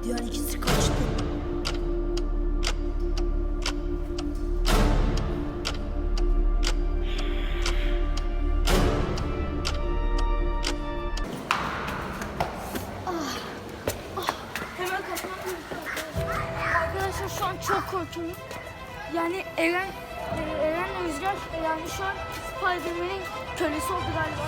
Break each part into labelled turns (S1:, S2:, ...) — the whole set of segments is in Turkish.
S1: Diğer ikisi kaçtı.
S2: Hemen kaçmam gerekiyor. Arkadaşlar şu an çok korkuyorum. Yani Eren'le Rüzgar yani şu an Spiderman'in kölesi oldu galiba.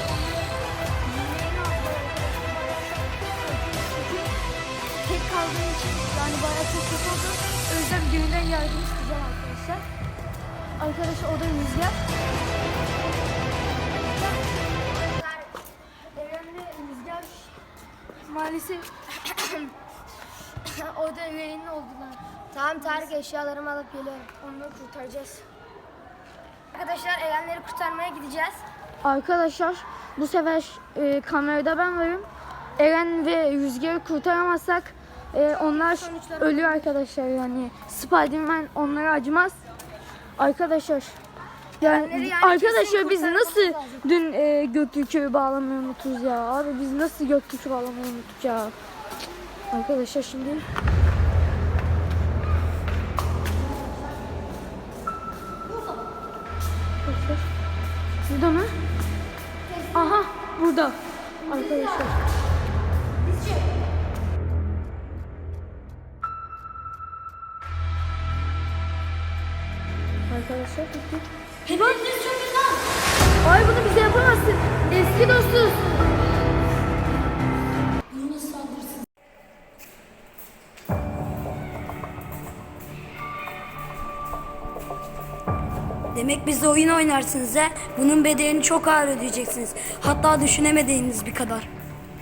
S2: Tek kaldığım için yani bayağı çok kötü oldu. O yüzden birinden yardım isteyeceğim arkadaşlar. Arkadaşlar o da Rüzgar. Eren'le Rüzgar maalesef orada rehin oldular.
S3: Tamam Tarık, eşyalarımı alıp geliyorum.
S2: Onları kurtaracağız.
S3: Arkadaşlar Erenleri kurtarmaya gideceğiz.
S2: Arkadaşlar bu sefer kamerada ben varım. Eren ve Rüzgar'ı kurtaramazsak onlar ölüyor arkadaşlar yani. Spiderman onlara acımaz. Arkadaşlar yani arkadaşlar biz nasıl dün Göktürk'ü bağlamayı unuturuz ya. Abi biz nasıl Göktürk'ü bağlamayı unuttuk ya. Arkadaşlar şimdi burada mı? Aha burada arkadaşlar. Arkadaşlar gittik.
S3: Hepiniz çok lan.
S2: Ay bunu bize yapamazsın. Eski dostuz.
S1: Demek bizle oyun oynarsınız he? Bunun bedelini çok ağır ödeyeceksiniz. Hatta düşünemediğiniz bir kadar.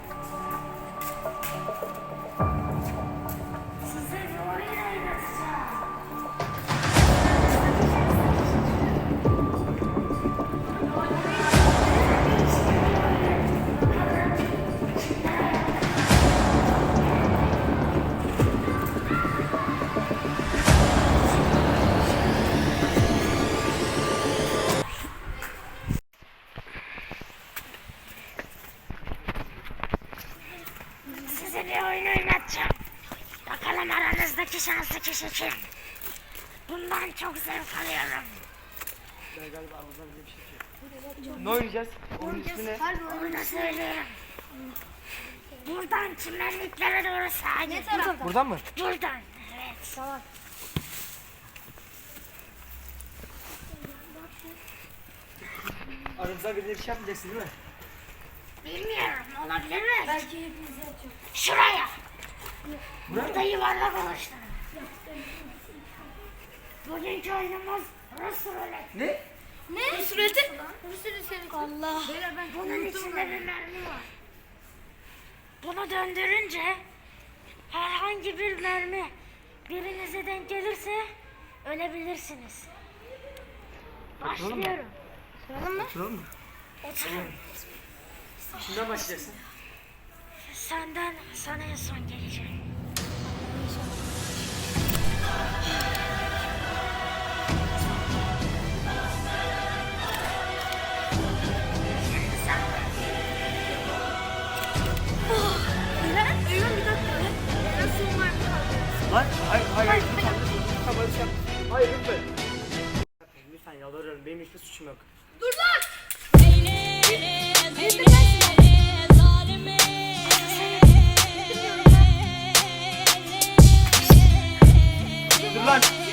S4: Size bir oyun oynatacağım. Bakalım aranızdaki şanslı kişi kim? Bundan çok zevk alıyorum.
S5: Ne oynayacağız? Oyun ismi ne?
S4: Onu söyleyeyim. Buradan çimenliklere doğru sağa gidin.
S5: Buradan mı?
S4: Buradan. Evet.
S3: Tamam.
S5: Aramızda birine bir şey yapmayacaksın değil mi?
S4: Bilmiyorum. Olabilir mi?
S3: Belki hepiniz yapacak.
S4: Şuraya. Burada yuvarlak oluşturun. Bugünkü oyunumuz Rus ruleti.
S5: Ne?
S3: Ne? Süreti? Allah.
S4: Bunun içinde bir mermi var. Bunu döndürünce herhangi bir mermi birinize denk gelirse ölebilirsiniz. Başlıyorum.
S5: Oturalım mı?
S4: Oturun.
S5: Kimden başlayacaksın?
S4: Senden sana en son geleceğim.
S2: Eren bir dakika. Eren son var mı?
S5: Lan hayır lütfen. Tamam öyle şey yap. Hayır lütfen. Lütfen yalvarıyorum, benim hiçbir suçum yok.
S2: Dur lan.
S5: Dur lan.